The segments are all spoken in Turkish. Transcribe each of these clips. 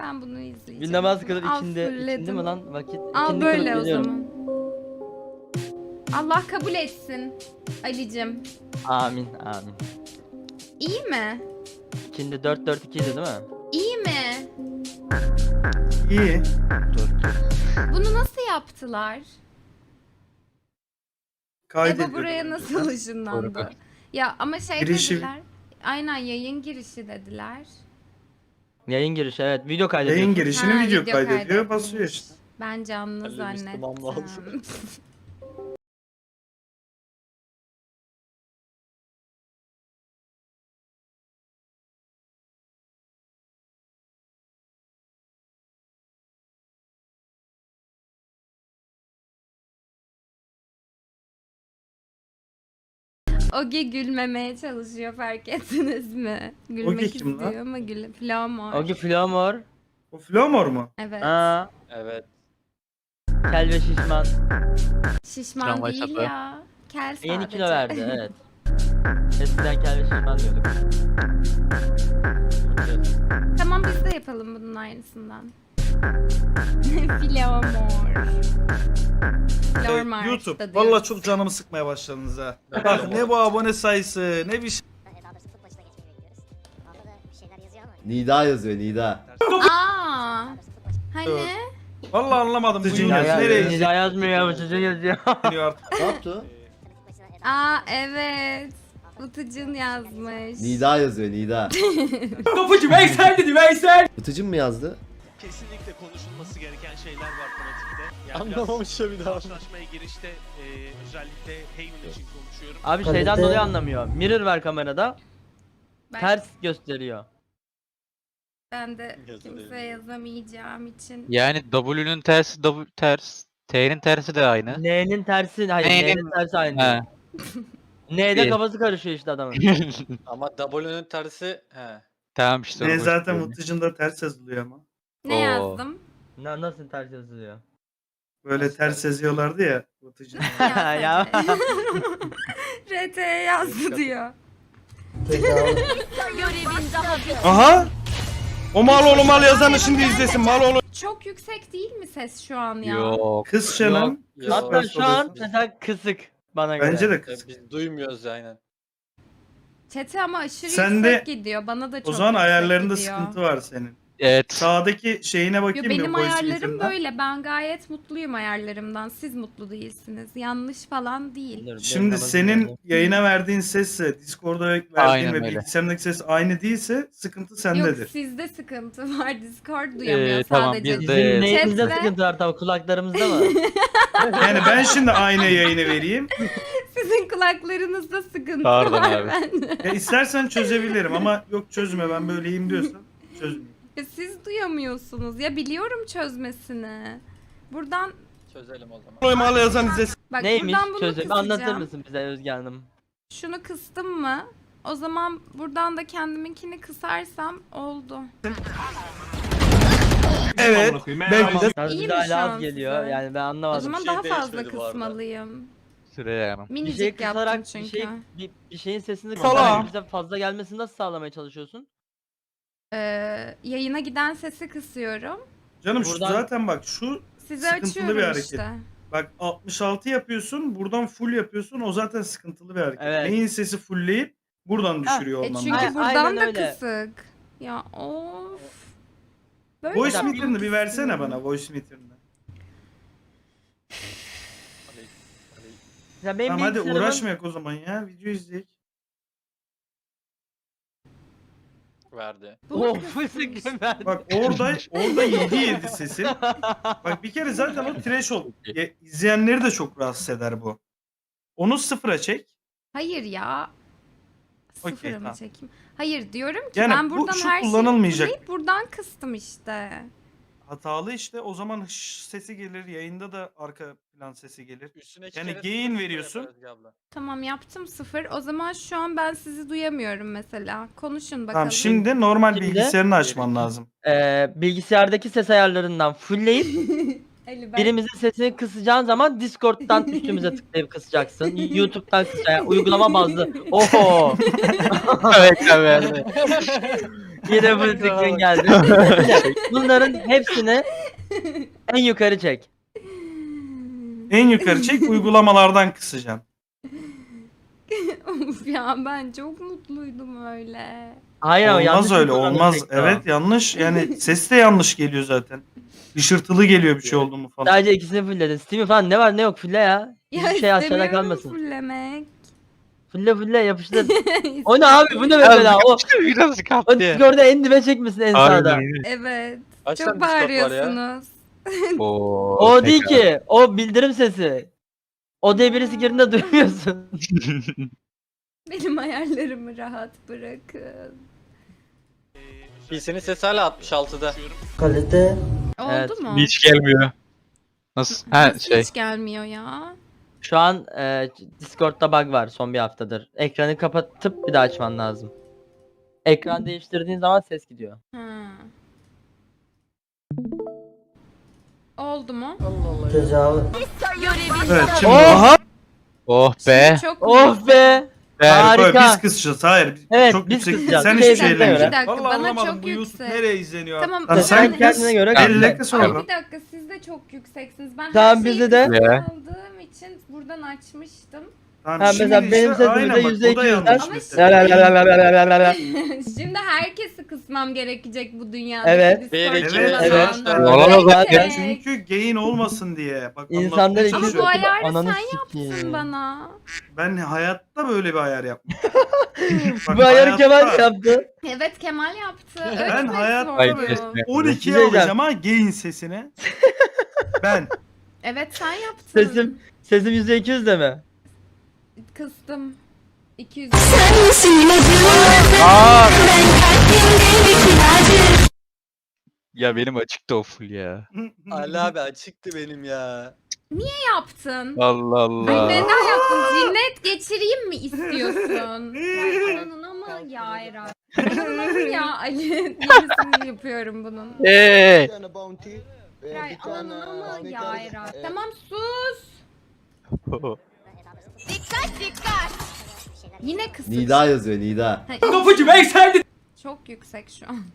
Ben bunu izleyeceğim. Bir namaz kılır Al, ikindi fulledim. mi lan vakit? Al İkindi böyle kılıp o geliyorum. zaman. Allah kabul etsin Ali'cim. Amin amin. İyi mi? İkindi 4-4-2'ydi değil mi? İyi mi? İyi. Bunu nasıl yaptılar? Kaydediyor. Eba buraya nasıl ışınlandı? Ya ama şey Girişi- dediler. Aynen yayın girişi dediler. Yayın girişi evet. Video kaydediyorsun. Yayın girişini Ha, video video kaydediyor, kaydetmiş. basıyor işte. Ben canlı Ali Müslüman mı oldu? zannettim. Ogi gülmemeye çalışıyor, fark ettiniz mi? Gülmek kim lan? istiyor ama Flamor. Ogi Flamor. O Flomor mu? Evet. Aa, Evet. kel ve şişman. Şişman Tramvay değil sapı. ya. Kel sadece. Yeni kilo verdi evet. Eskiden kel ve şişman diyorduk. Tamam biz de yapalım bunun aynısından. Flamor. Flamor. YouTube. Vallahi çok canımı sıkmaya başladınız ha. Bak ne bu abone sayısı, ne bir şey. Daha doğrusu futbol işine geçmeyi bekliyoruz. Altta da bir şeyler yazıyor ama. Nida yazıyor Nida. Aa. Hani? Vallahi anlamadım. Bu Ya, yayın ya, nereye Nida yazmıyor ya bu çocuğun yazıyor. gidiyor artık. Ne yaptı? Aa evet. Utucun yazmış. Nida yazıyor Nida. Kapıcı Veysel dedi Veysel. Bıtıcım mı yazdı? Kesinlikle konuşulması gereken şeyler var fanatikte. Yani Anlamamış ya bir daha. karşılaşmaya girişte özellikle Haven için konuşuyorum. Abi şeyden dolayı anlamıyor. Mirror var kamerada. Ben, Ters gösteriyor. ben de Yazılı kimseye yazamayacağım için. Yani W'nün tersi W ters. T'nin tersi de aynı. N'nin tersi, hayır N'nin- N'nin tersi aynı. He. N'de İyi. kafası karışıyor işte adamın. Ama W'nün tersi Tamam işte. Ne onu zaten söyleyeyim. Mutlacı'nda ters yazılıyor ama. Ne Oo. yazdım? Nasıl ters yazılıyor? Böyle ters yazıyorlardı ya Mutlacı'nda. Yaz Ya. hadi. RT'ye yazdı diyor. Aha! O mal oğlu mal yazanı şimdi izlesin mal oğlu. Çok yüksek değil mi ses şu an ya? Yok. Kız Şenem. Yok. Hatta şu an mesela kısık bana göre. Bence de kız. biz duymuyoruz aynen. Chat'e ama aşırı Sen de- yüksek gidiyor. Bana da çok O zaman yüksek ayarlarında gidiyor. sıkıntı var senin. Evet. Sağdaki şeyine Yo, bakayım benim mı voice ayarlarım meter'ına? böyle. Ben gayet mutluyum ayarlarımdan. Siz mutlu değilsiniz. Yanlış falan değil. Dur, Şimdi benim senin namazım yayına verdiğin sesle Discord'a verdiğin Aynen ve öyle. bilgisayarındaki ses aynı değilse sıkıntı Yok sendedir. sizde sıkıntı var. Discord duyamıyor Tamam, sadece. biz Bizim de- neyimizde Chat'te- sıkıntı var tabii kulaklarımızda mı? Yani ben şimdi aynı yayını vereyim. Sizin kulaklarınızda sıkıntı Pardon var abi. bende. Ya istersen çözebilirim ama yok çözme ben böyleyim diyorsan çözmeyeyim. Siz duyamıyorsunuz. Ya biliyorum çözmesini. Buradan Çözelim o zaman. Oy mal yazan izlesin. bak Neymiş buradan bunu çözüm? kısacağım. Anlatır mısın bize Özge Hanım? Şunu kıstım mı? O zaman buradan da kendiminkini kısarsam oldu. Evet. Belki de Yalnız İyi bize mi şu hala an az geliyor size? yani ben O anlamadım. zaman şey daha fazla değişmedi bu arada. kısmalıyım. Süreyya Hanım. Bir şeyi Minicik yaptım kısarak çünkü. bir şeyin sesini Sala. kısarak bize fazla gelmesini nasıl sağlamaya çalışıyorsun? Yayına giden sesi kısıyorum. canım şu Buradan- zaten bak şu Size Sıkıntılı açıyorum bir hareket. işte. bak 66 yapıyorsun buradan full yapıyorsun o zaten sıkıntılı bir hareket. Evet. Neyin sesi fullleyip buradan düşürüyor olman Çünkü lazım. Aynen buradan da öyle. kısık. Ya of. Böyle Voice yapmak meter'ını bir versene istiyorum. bana voice meter'ını. Ya benim Tamam hadi bilgisayarımın- uğraşmayak o zaman ya video izleyek. Verdi. Bu Oh kısmış. fısık ben. Bak orada 7 sesin. Bak bir kere zaten o threshold. İzleyenleri de çok rahatsız eder bu. Onu sıfıra çek. Hayır ya. Okey, Sıfıra mı tamam. çekeyim? Hayır diyorum ki Yani ben bu- buradan şu her şeyi kullanılmayacak. fullleyip buradan kıstım işte. Hatalı işte o zaman sesi gelir yayında da arka plan sesi gelir. Üstüne iki Yani kere gain sıfır veriyorsun. yapar Özge abla. Tamam yaptım sıfır. O zaman şu an ben sizi duyamıyorum mesela. Konuşun bakalım. Tamam şimdi normal Şimdi- bilgisayarını açman lazım. Bilgisayardaki ses ayarlarından fullleyip Ali, ben- birimizin sesini kısacağın zaman Discord'dan üstümüze tıklayıp kısacaksın. YouTube'dan kısacaksın. Uygulama bazlı. Oho. Evet evet. Yine bu screen geldi. Bunların hepsini en yukarı çek. En yukarı çek, uygulamalardan kısacaksın. Of ya, ben çok mutluydum öyle. Hayır ama yanlış Olmaz öyle, kullandım olmaz. tekrar. Evet, yanlış. Yani ses de yanlış geliyor zaten. Işırtılı geliyor bir şey oldu mu falan. Sadece ikisini fullledin. Steam'i falan ne var ne yok fulle ya. Hiçbir şey aşağıda istemiyorum kalmasın. fullemek. Fulle yapıştır. O ne abi, bu ne mesela? O Biraz o kaptı. Discord'da en dibe çekmişsin en sağda. Evet. Kaç Çok tane Discord var ya? bağırıyorsunuz. O değil ki. O bildirim sesi. O diye birisi girdiğinde duymuyorsun. Benim ayarlarımı rahat bırakın. PC'nin sesi hala 66'da. Oldu Evet. mu? Hiç gelmiyor. Nasıl? Ha Nasıl şey. hiç gelmiyor ya? Şu an Discord'da bug var son bir haftadır. Ekranı kapatıp bir daha açman lazım. Ekran değiştirdiğin zaman ses gidiyor. Ha. Oldu mu? Evet, şimdi Oh! Oh be. Çok Oh be! Böyle Harika. biz kısacağız. Hayır. Evet, çok biz yüksek. kısacağız. Sen Bir hiçbir şey şey söyle. Bir ellemeyeceksin. dakika, Vallahi bana anlamadım çok bu YouTube yüksek. nereye izleniyor? Tamam, Lan Sen sen kendine göre kal. elle kıs Ama orada. bir dakika, siz de çok yükseksiniz. Ben Tamam, her şeyi bizde de. kısık Ya. aldığım için buradan açmıştım. Tamam, Ha, şimdi mesela benim sesim aynen de bak, %200'den. o da yanlış Ama mesela. Şimdi herkesi kısmam gerekecek bu dünyada. Evet. Bir, iki, Evet, evet. Olamaz zaten. Çünkü gain olmasın diye. Bak, İnsanlar anlatmaya iki Ama bu çalışıyorum. ayarı Ananı sen sikeyim. yaptın bana. Ben hayatta böyle bir ayar yapmam. Bak, Bu ayarı hayatta Kemal yaptı. Evet, Kemal yaptı. Ben Ölçmek hayatta zordu. böyle kesme. 12'ye Güzel. alacağım ha gain sesini. Ben. Evet, sen yaptın. Sesim %200 de mi? Kıstım. 200. Ya benim açıktı o full ya. Ali abi açıktı benim ya. yaptın? Allah Ay, Allah. neden yaptın? Cinnet geçireyim mi istiyorsun? Ay, ananına mı ya Eray? Ananına mı ya Ali? Yenisini yapıyorum bunun. Hey. Eray, ananına mı ya Eray? Tamam, sus. Yine kısık. Nida yazıyor Nida. Kapıcı Veysel dedi. Çok yüksek şu an.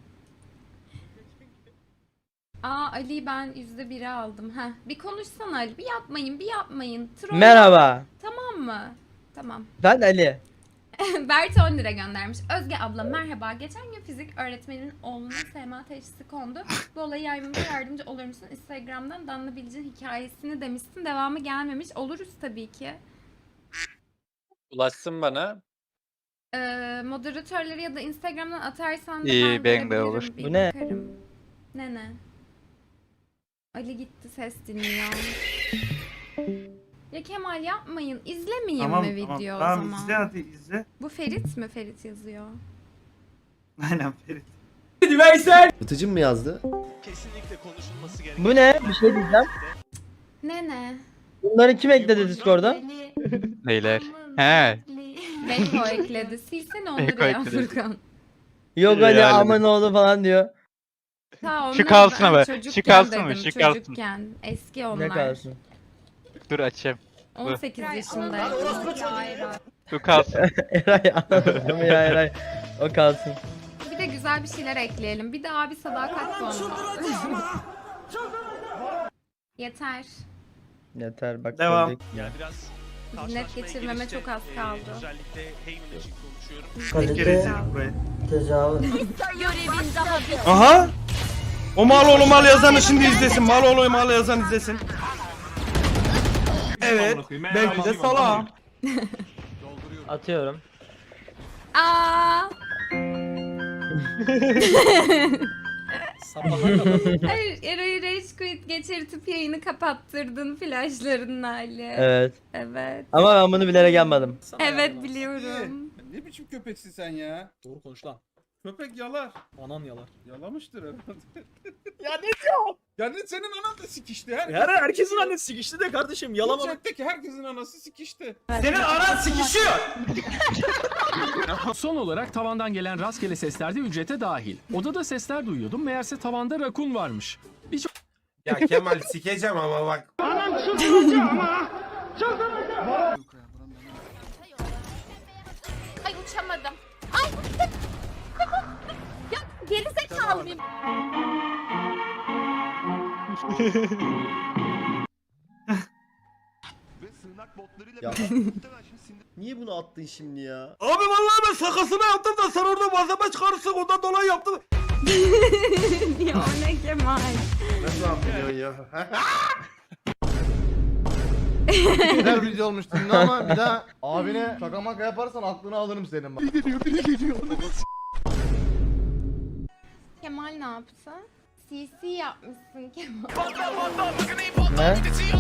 Aa, Ali, ben %1'e aldım. Heh, bir konuşsana Ali. Bir yapmayın. Troll. Merhaba. Tamam mı? Tamam. Ben Ali. Berti 10 lira göndermiş. Özge abla merhaba. Geçen gün fizik öğretmeninin oğluna SMA teşhisi kondu. Bu olayı yaymamıza yardımcı olur musun? Instagram'dan Danla Bilic'in hikayesini demişsin. Devamı gelmemiş. Oluruz tabii ki. Ulaşsın bana. Moderatörleri ya da Instagram'dan atarsan da İyi, ben ben de görebilirim, olur. bir Bu ne? bakarım. Ne? Ali gitti, ses dinliyor. Ya Kemal, yapmayın. İzlemeyeyim Tamam mi tamam. video o Tamam, zaman? izle hadi izle. Bu Ferit mi? Ferit yazıyor. Aynen Ferit. Dedi Veysel. Bıtıcım mı yazdı? Kesinlikle konuşulması gereken Bu ne? Bir şey diyeceğim. Ne? Bunları kim ekledi Discord'a? Ali. Neyler? Aman He. Ali. Beko ekledi. Silsene onları Beko ya ekledi. Furkan. Yok Ali Yani. aman oğlu falan diyor. Ta onları Şu kalsın ben ama, çocukken şu kalsın mı, dedim, şu kalsın. çocukken. Eski Ne onlar. kalsın? Dur açayım. 18 yaşındaydım. Dur kalsın. Eray anladım ya Eray. O kalsın. Bir de güzel bir şeyler ekleyelim. Bir de abi sadakat konu. Yeter. Yeter bak. Devam. gördük. yani biraz Net karşılaşmaya geçirmeme gelince, çok az kaldı. Özellikle Heyman için konuşuyorum. Bir kere izledik burayı. Tecavüz. Aha! O mal oğlu mal yazanı şimdi izlesin. Mal oğlu mal yazan izlesin. Evet. Belki de salağım. Atıyorum. Aa! Hayır, Eray'ı Rage Quit geçirtip yayını kapattırdın flashlarının hali. Evet. Evet. Ama ben bunu bilerek yapmadım. Evet, biliyorum. Ne biçim köpeksin sen ya? Doğru konuş lan. Köpek yalar. Anan yalar. Yalamıştır herhalde. Ya ne diyor? Yani senin anan da sikişti. Herkesin annesi sikişti de kardeşim yalama. Uçaktaki herkesin anası sikişti. Senin anan sikişiyor. Son olarak tavandan gelen rastgele sesler de ücrete dahil. Odada sesler duyuyordum, meğerse tavanda rakun varmış. Ya Kemal sikeceğim ama bak. Ay, uçamadım. Gerizekalı mıyım? Ya. Niye bunu attın şimdi ya? Abi vallahi ben şakasını yaptım da sen orada malzeme çıkarırsın ondan dolayı yaptım. Ya o ne Kemal? Nasıl yapıyorsun ya? Güzel video olmuştu ama bir daha abine şaka maka yaparsan aklını alırım senin bak. Kemal ne yaptı? CC yapmışsın Kemal. Ne?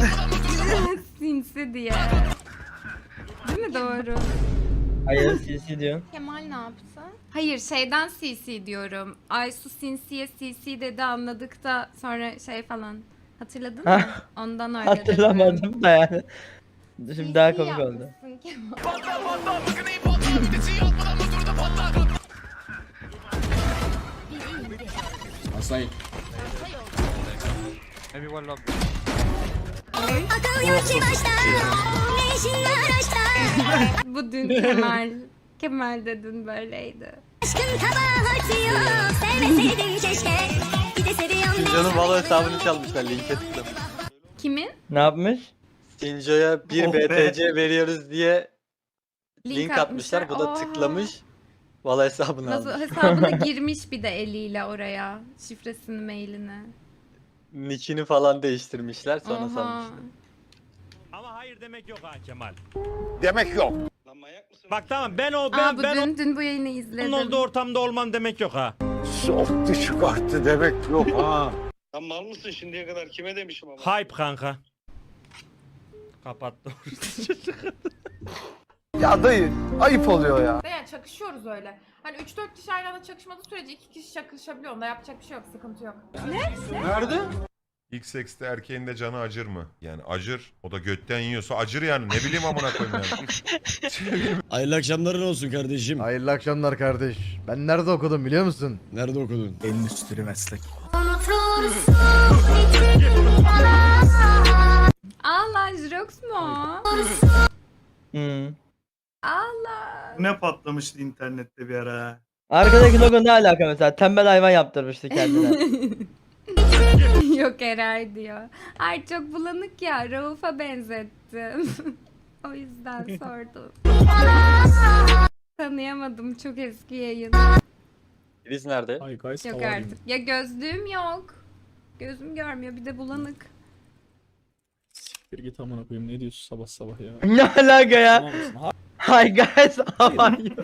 Sinsi diye. Değil mi doğru? Hayır CC diyorsun. Kemal ne yaptı? Hayır şeyden CC diyorum. Aysu Sinsi'ye CC dedi anladık da sonra şey falan. Hatırladın mı? Ondan öyle dedim. Hatırlamadım da yani. Şimdi daha CC komik oldu. yapmışsın Kemal. Asay. Bu dün Kemal. Kemal de dün böyleydi. Sinco'nun Valo hesabını çalmışlar, linke tıklamış. Kimin? Ne yapmış? Sinco'ya 1 Oh be. BTC veriyoruz diye link atmışlar. Bu da Oha. tıklamış. Valo hesabını Nasıl almış. hesabına girmiş bir de eliyle oraya. Şifresini, mailini. Nick'ini falan değiştirmişler sonra Oha. sanmışlar. Ama hayır demek yok ha Kemal. Demek yok. Lan manyak mısın? Bak tamam ben Bu dün bu yayını izledim. ortamda olmam demek yok ha. Soktu çıkarttı demek yok ha. Lan mal mısın şimdiye kadar kime demişim ama? Hype kanka. Kapattı. Ya dayı ayıp oluyor ya. Yani çakışıyoruz öyle. Hani 3-4 kişi aynı anda çakışmadığı sürece 2 kişi çakışabiliyor. Onda yapacak bir şey yok, sıkıntı yok. Nerede? İlk sekste erkeğin de canı acır mı? Yani acır. O da götten yiyorsa acır yani. Ne bileyim amına koyayım yani. Hayırlı akşamların olsun kardeşim. Hayırlı akşamlar kardeş. Ben nerede okudum biliyor musun? Nerede okudun? Endüstri meslek. Allah Jirox mu o? Hmm. Allah. Ne patlamıştı internette bir ara. Arkadaki logo ne alaka mesela? Tembel hayvan yaptırmıştı kendine. Yok Eray diyor. Ay çok bulanık ya. Rauf'a benzettim. O yüzden sordum. Tanıyamadım çok eski yayın. Filiz nerede? Yok artık. Ya gözlüğüm yok. Gözüm görmüyor bir de bulanık. Bir git amına koyayım ne diyorsun sabah sabah ya. Ne alaka ya? Hi guys, how are you?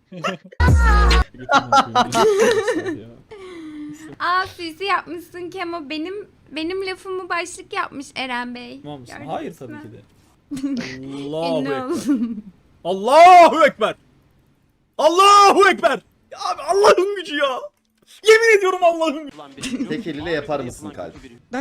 Aa CC yapmışsın Kemo. Benim lafımı başlık yapmış Eren Bey. Gördünüz Hayır tabii mü? ki de. Ünlü oldum. Allahu Ekber. Allahu Ekber. Ya abi Allah'ın gücü ya. Yemin ediyorum Allah'ın gücü. Tek eliyle yapar mısın kalp?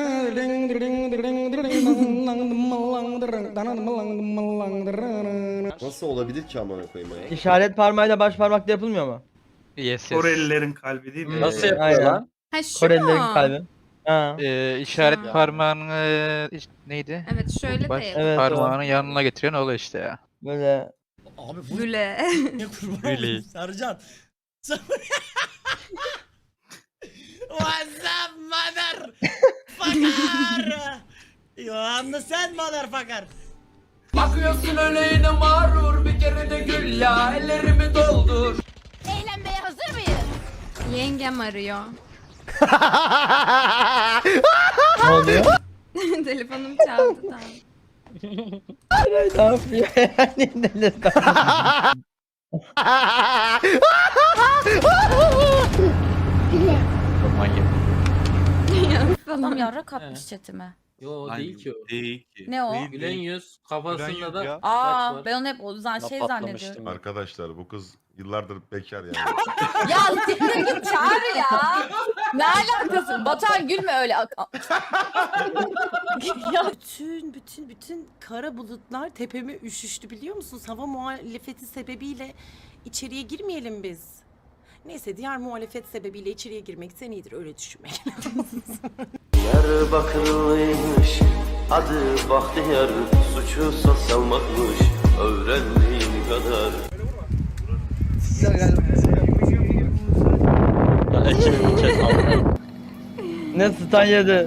Nasıl olabilir ki amına koyayım ya? İşaret parmağıyla baş parmakla yapılmıyor mu? Yes. Korelilerin kalbi değil mi? Nasıl yapıyor Aynen. lan? Ha şu Korelilerin mu? kalbi. Ha. İşaret Ha. parmağını neydi? Evet şöyle Baş de Evet, parmağının yanına getiriyorsun o işte ya. Böyle Abi bu Güle. ne kurban Really? olayım Sercan. What's up mother fucker? You understand motherfucker? Bakıyorsun öleğine mağrur bir kere de gül ya ellerimi doldur. Eğlenmeye hazır mıyız? Yengem arıyor. ne oluyor? Telefonum çaldı tamam. Ne yapıyor? Yani delirdi. Manyak. Adam yarrak atmış chatime. Yo değil ki o. Değil ki. Ne o? Gülen yüz kafasında da Aa ben onu hep o zaman şey Patlamıştım. zannediyorum. Arkadaşlar bu kız yıllardır bekar yani. Ya siktir git çağır ya. Ne alakası? Batuhan gülme öyle. Ya bütün kara bulutlar tepeme üşüştü biliyor musunuz? Hava muhalefeti sebebiyle içeriye girmeyelim biz. Neyse diğer muhalefet sebebiyle içeriye girmekten iyidir öyle düşünmek. Diyarbakırlıymış, adı Bahtiyar, suçu salmakmış, öğrendiğin kadar. Ekibim chat. Ne stun yedi.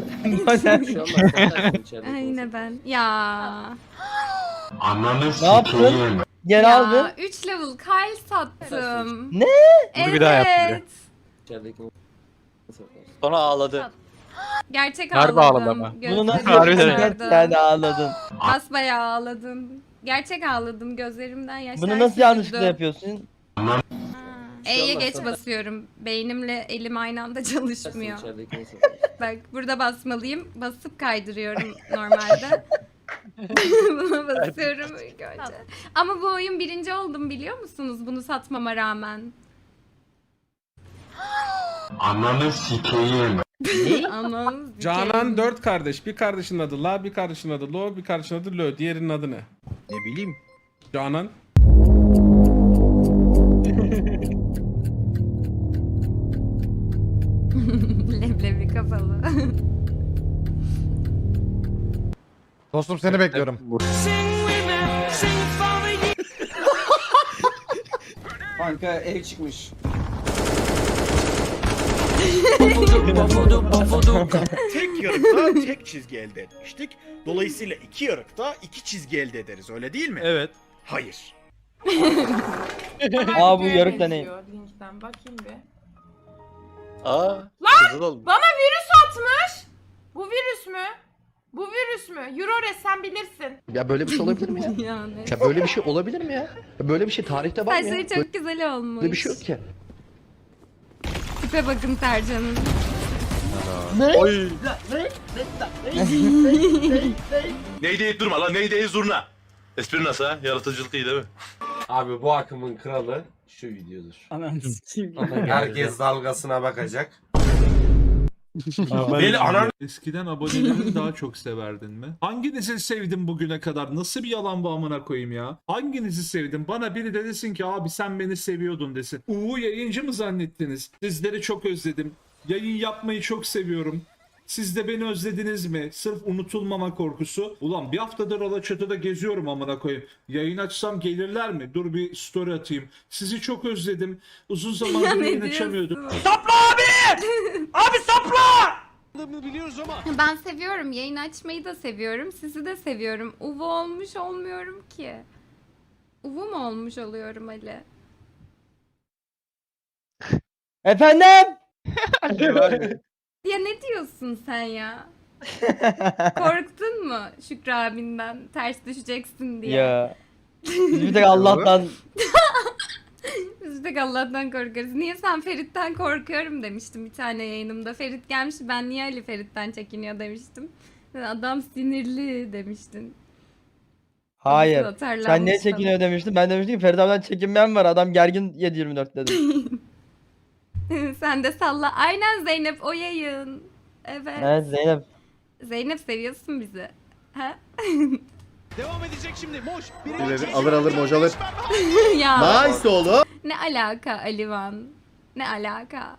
Yine ben. Ya. Ne yaptın? Geri aldın. Ya 3 level Kyle sattım. Ne? Bunu bir daha yaptım Evet. Sonra ağladı. Gerçek Harbi ağladım. ağladı ama. Bunu nasıl Gözlerim Harbiden. yaptın? yaşardı. Sen ağladın. Basbayağı ağladım. Gerçek ağladım. Gözlerimden yaşlar Bunu nasıl süzüldü. yanlışlıkla yapıyorsun? E'ye geç basıyorum. Beynimle elim aynı anda çalışmıyor. Bak burada basmalıyım. Basıp kaydırıyorum normalde. Buna basıyorum ilk önce. Ama bu oyun 1. oldum biliyor musunuz? Bunu satmama rağmen. Ananı sikeyim. Anam. Canan 4 kardeş. Bir kardeşin adı La, bir kardeşin adı Lo, bir kardeşin adı Lö. Diğerinin adı ne? Ne bileyim. Canan. Leblebi kafalı. Dostum seni bekliyorum. Kanka ev çıkmış. Tek yarıkta tek çizgi elde etmiştik. Dolayısıyla iki yarıkta iki çizgi elde ederiz öyle değil mi? Evet. Hayır. Aa bu yarık da ne? Linkten bakayım bir. Aa. Kızıl olmuş. Bana virüs atmış. Bu virüs mü? Bu virüs mü? Eurores sen bilirsin. Ya böyle bir şey olabilir mi ya? Yani. Ya böyle bir şey olabilir mi ya? Ya böyle bir şey tarihte var mı ya? Saçları çok güzel olmuş. Böyle bir şey yok ki. Tipe bakın Sercan'ın. Oy. Neydi durma lan neydi zurna. Espri nasıl ha? Yaratıcılık iyi değil mi? Abi bu akımın kralı şu videodur. Herkes dalgasına bakacak. Beni anan Eskiden abonelerini daha çok severdin mi? Hanginizi sevdim bugüne kadar? Nasıl bir yalan bu amına koyayım ya? Hanginizi sevdim? Bana biri de desin ki abi sen beni seviyordun desin. Yayıncı mı zannettiniz? Sizleri çok özledim. Yayın yapmayı çok seviyorum. Siz de beni özlediniz mi? Sırf unutulmama korkusu. Ulan bir haftadır Alaçatı'da geziyorum amına koyayım. Yayın açsam gelirler mi? Dur bir story atayım. Sizi çok özledim. Uzun zamandır yayın açamıyordum. Biliyoruz ama. Ben seviyorum. Yayın açmayı da seviyorum. Sizi de seviyorum. Uvu olmuş olmuyorum ki. Uvu mu olmuş oluyorum Ali? Efendim? Ya ne diyorsun sen ya? Korktun mu Şükrü abinden ters düşeceksin diye? Ya. Biz bir tek Allah'tan Biz de Allah'tan korkarız. Niye sen Ferit'ten korkuyorum demiştim bir tane yayınımda. Ferit gelmiş ben niye Ali Ferit'ten çekiniyor demiştim. Adam sinirli demiştin. hayır. Nasıl atarlanmış Sen niye sana? çekiniyor demiştin. Ben demiştim ki Ferit abiden çekinmeyen var. Adam gergin 7/24 dedim. Sen de salla. Aynen Zeynep o yayın. Evet. Evet Zeynep. Zeynep seviyorsun bizi. Ha? Devam edecek şimdi. Moş. alır moş alır. Ya Nice oğlum. ne alaka Alivan? Ne alaka?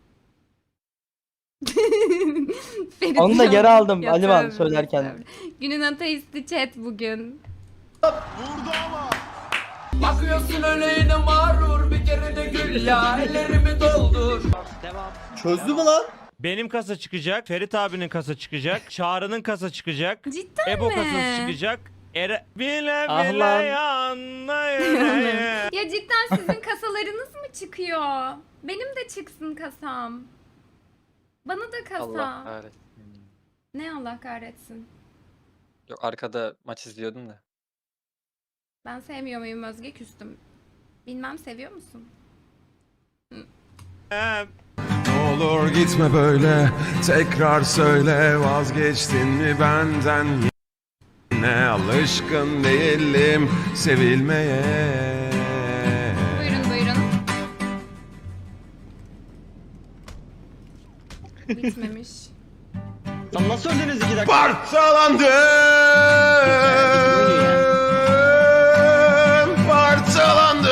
Ferit Onu da geri ya- aldım ya Alivan tövbe, söylerken. tövbe. Günün ateisti chat bugün. Vurdu ama. Bakıyorsun öleğine mağrur bir kere de gül ya ellerimi doldur. Çözdü mü lan? Benim kasa çıkacak. Ferit abinin kasa çıkacak. Çağrı'nın kasa çıkacak. Cidden Ebo mi? kasası çıkacak. Bile Ah bile lan. yanına yüreğe. Ya cidden sizin kasalarınız mı çıkıyor? Benim de çıksın kasam. Bana da kasa. Allah kahretsin. Ne Allah kahretsin. Yok arkada maç izliyordum da. Ben sevmiyor muyum Özge küstüm. Bilmem seviyor musun? Ne olur gitme böyle. Tekrar söyle vazgeçtin mi benden? Yine alışkın değilim sevilmeye. Buyurun buyurun. Bitmemiş. Lan nasıl öldünüz 2 dakika? Parçalandım. Parçalandım.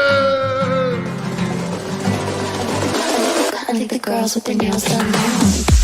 I think the girls with their nails done now.